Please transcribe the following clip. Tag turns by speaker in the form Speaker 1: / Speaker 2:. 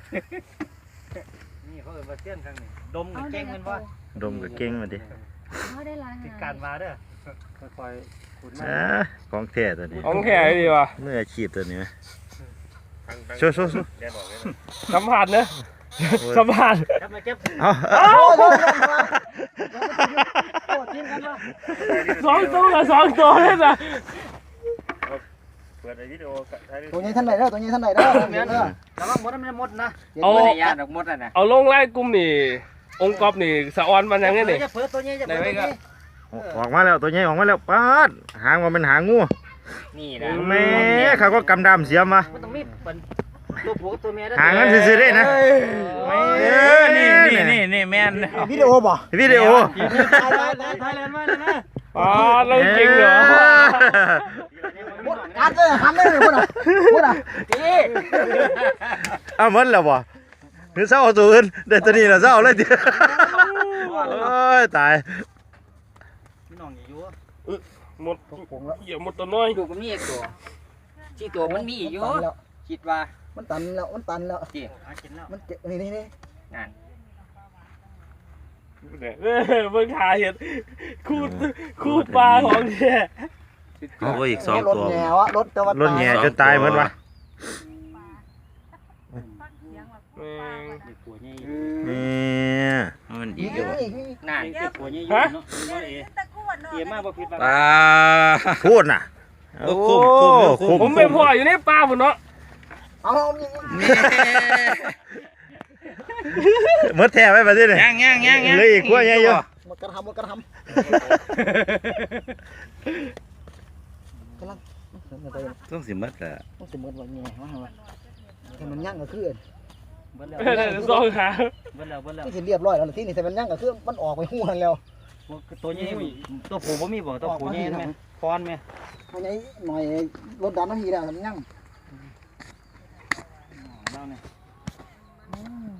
Speaker 1: นี่เขาเอิ้นว่าเสี้ยนครั้งนี้ดมกับเก่งมันว่า
Speaker 2: ดมกับเก่งมาดิ
Speaker 3: เขาได้ลาย
Speaker 1: ติดการมาเด้อค่อยๆขุดมา
Speaker 2: ของแท้ตัวนี้
Speaker 4: ของแข็งดีว่ะ
Speaker 2: มืออาชีพตัวนี้ โชว์
Speaker 4: สัมผัสเนอะสัมผัส
Speaker 1: จับมาเก็บ
Speaker 2: เอา
Speaker 1: โอ้ทิ้งกันวะ
Speaker 4: สองตัวเลยนะ
Speaker 2: เปิดวิดีโอ
Speaker 5: ตัวนี้ท่านไหนเด้อตัวนี้ท่านไหนเด้อ
Speaker 1: แม่นแต่ว่าหมดมันหมดนะ
Speaker 4: เอา
Speaker 1: ไม่ได้ยาดอกหมดอ่ะนะ
Speaker 4: เอาลงไล่กลุ่มนี่องค์กอบนี่สะออนมันยังไงนี่
Speaker 1: จะเปิดตัวนี้จะเปิดตัวนี้
Speaker 2: ออกมาแล้วตัวใหญ่ออกมาแล้วป๊าดหางมันเป็นหางงู
Speaker 1: นี่นะ
Speaker 2: แม่เขาก็กำดำเสียมา
Speaker 1: มันต้องมีเป็นตัวผู้ตัวเมีย
Speaker 2: หางนั้นซื่อๆได้นะ
Speaker 1: นี่แม่น
Speaker 5: วิดีโอบ่
Speaker 2: วิดีโอ
Speaker 1: ไทยแลนด์มาเลยนะ
Speaker 4: อ๋อเรื่องจริงเหรอ
Speaker 5: การเลยหันเลยพูดอ่ะ
Speaker 1: นี่
Speaker 2: เอาหมดแล้วบ่หรือเศร้าเอาตัวอื่นเดี๋ยวตัวนี้เราเศร้าเลยเดี๋ยวโอ้ยตาย
Speaker 1: พี่น้องอยู่
Speaker 4: หมดเหยียบหมดตัวน้อย
Speaker 1: ดูมันมีอีกตัวที่ตัวมันมีอยู่คิดว่า
Speaker 5: มันตันแล้ว
Speaker 1: จริงกินแล้ว
Speaker 5: มันนี่
Speaker 1: งาน
Speaker 4: เบิ่งขาเห็ดคูดปลาของแท้
Speaker 2: เอาไปอีก2
Speaker 5: รถ
Speaker 2: ตัว
Speaker 5: แง่วะรถแต่ว่าร
Speaker 2: ถแง่จนตายเหมือนวะ
Speaker 1: ตัวนี้
Speaker 2: นี่มันอี
Speaker 5: อี
Speaker 2: ก
Speaker 5: ก
Speaker 2: อยู่
Speaker 1: นานตัวนี้อยู่เนาะเตรียมมาบ่ผิดว่า
Speaker 2: พูดน่ะโอ้คุ้ม
Speaker 4: ผมไม่พออยู่ในปลาหมดเนาะ
Speaker 5: เอา
Speaker 2: เมื่อแท้ไว้ประเทศนี่เลยอีกขั้วใหญ่อยู่
Speaker 5: มันกระทำกำลัง
Speaker 2: ต้องสิมัดอ่ะ
Speaker 5: ต้องสมมติว่าแง่ว่าให้มันยั่งก็คือ
Speaker 1: เบิ่แล้ว
Speaker 4: สองขา
Speaker 1: เบิ่แล้ว
Speaker 5: ที่เรียบร้อยแล้วที่นี่แต่มันยั่งก็คือมันออกไปหูนั่นแล้ว
Speaker 1: ตัวนี้ตัวผู้บ่มีบ่ตัวผู้นี่แม่ฟอนแม่
Speaker 5: เอาไงหน่อยรถดันน้ำมีแล้วมันยั่ง
Speaker 1: เราเนี่ย